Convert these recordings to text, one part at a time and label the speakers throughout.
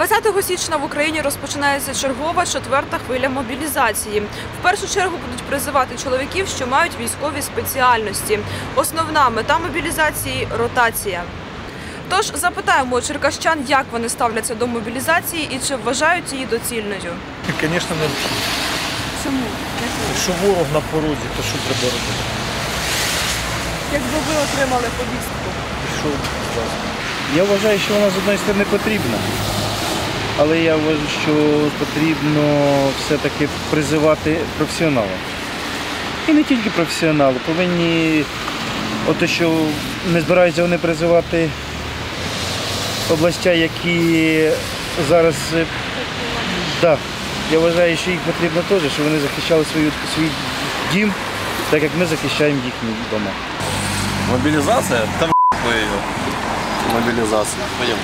Speaker 1: 20 січня в Україні розпочинається чергова 4-та хвиля мобілізації. В першу чергу будуть призивати чоловіків, що мають військові спеціальності. Основна мета мобілізації – ротація. Тож запитаємо у черкащан, як вони ставляться до мобілізації і чи вважають її доцільною.
Speaker 2: Звісно, не.
Speaker 1: Чому?
Speaker 2: Якщо ворог на порозі, то що треба робити?
Speaker 1: Якби ви отримали повістку?
Speaker 2: Пішов зразу. Я вважаю, що вона з однієї сторони потрібна, але я вважаю, що потрібно все-таки призивати професіоналів. І не тільки професіонали, повинні, ото що не збираються вони призивати областя, які зараз, да, я вважаю, що їх потрібно теж, щоб вони захищали свій дім, так як ми захищаємо їхні дома.
Speaker 3: Мобилизация? Там ее. Мобилизация. Пойдем.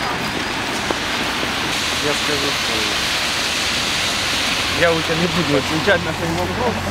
Speaker 2: Я скажу, что я у тебя не буду отвечать на твои вопросы.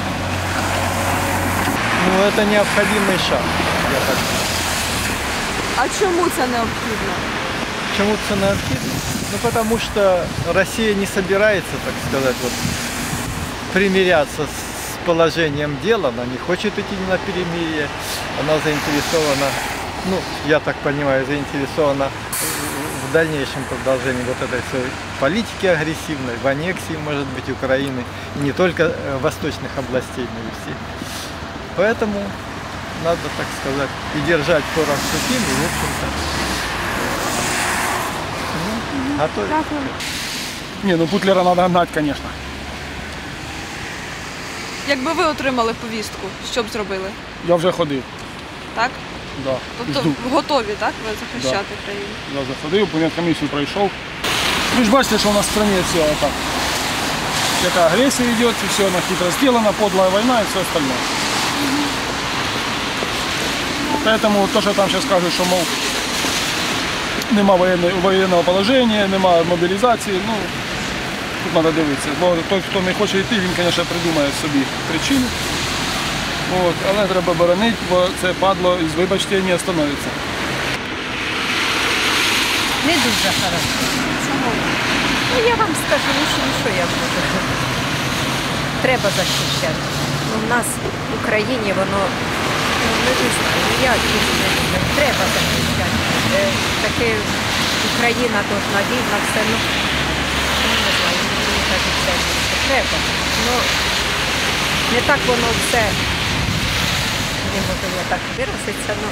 Speaker 2: Ну, это необходимый шаг, я так думаю.
Speaker 1: А чому це необхідно?
Speaker 4: Почему это необходимо? Ну, потому что Россия не собирается, так сказать, вот, примиряться с положением дела. Она не хочет идти на перемирие. Она заинтересована, ну, я так понимаю, заинтересована в дальнейшем продолжении вот этой всей политики агрессивной, в аннексии, может быть, Украины, и не только восточных областей, но и всех. Поэтому надо, так сказать, и держать порох сухим, и, в общем-то, готовить.
Speaker 5: Не, ну Путлера надо гнать, конечно.
Speaker 1: Якби ви отримали повістку, що б зробили?
Speaker 5: Я вже ходив.
Speaker 1: Так?
Speaker 5: Да.
Speaker 1: Тобто
Speaker 5: Жду.
Speaker 1: готові, так, ви захищати країну?
Speaker 5: Я вже ходив, комісію пройшов. Ви ж бачите, що у нас в країні все так. Яка агресія йде, все вона хитро зроблено, подла війна і все остальне. Поэтому то, що там зараз кажуть, що, мов, нема воєнного положення, нема мобілізації, ну, тут треба дивитися. Бо той, хто не хоче йти, він, звісно, придумає собі причину. От, але треба боронити, бо це падло, вибачте, не остановиться.
Speaker 6: Не дуже хорошо.
Speaker 1: Чому?
Speaker 6: Ну, я вам скажу, що я буду. Треба захищати. Ну, в нас в Україні воно, ну, не знаю, я дуже не люблю. Треба захищати. Таке Україна должна вільна, все, ну, не знаю, мені кажеться, що треба. Ну, не так воно все, не можу я так виразитися, ну.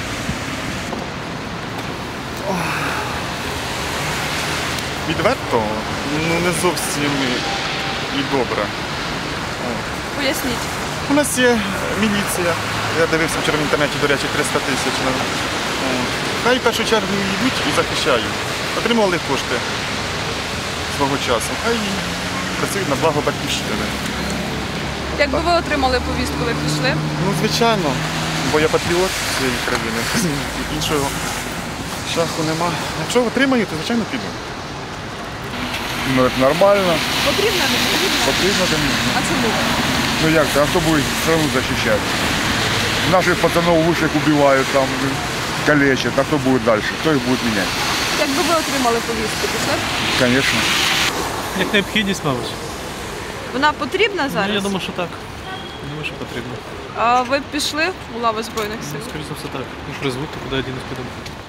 Speaker 7: Відверто, ну не зовсім і добре.
Speaker 1: Поясніть.
Speaker 7: У нас є міліція. Я дивився вчора в інтернеті, до речі, 300 тисяч. Хай в першу чергу йдуть і захищають. Отримували кошти свого часу. Хай працюють на благо батьківщини.
Speaker 1: Якби ви отримали повістку, ви пішли?
Speaker 7: Ну, звичайно, бо я патріот цієї країни. Іншого шляху нема. Якщо отримаю, то звичайно піду.
Speaker 8: Ну, это нормально.
Speaker 1: Потрібно, не потрібно?
Speaker 8: Потрібно, конечно.
Speaker 1: А чому?
Speaker 8: Ну як це, а хто буде страну захищати? Наших пацанов вышек убивают, там, калечат, а кто будет дальше? Кто их будет менять?
Speaker 1: Якби ви отримали повістку, пішли б?
Speaker 8: Конечно.
Speaker 9: Як необхідність, мабуть.
Speaker 1: Вона потрібна зараз?
Speaker 9: Ну, я думаю, що так. Я думаю, що потрібно.
Speaker 1: А ви б пішли у лави Збройних сил?
Speaker 9: Скоріше за все так. Ну, призвуть, то куди один підемо.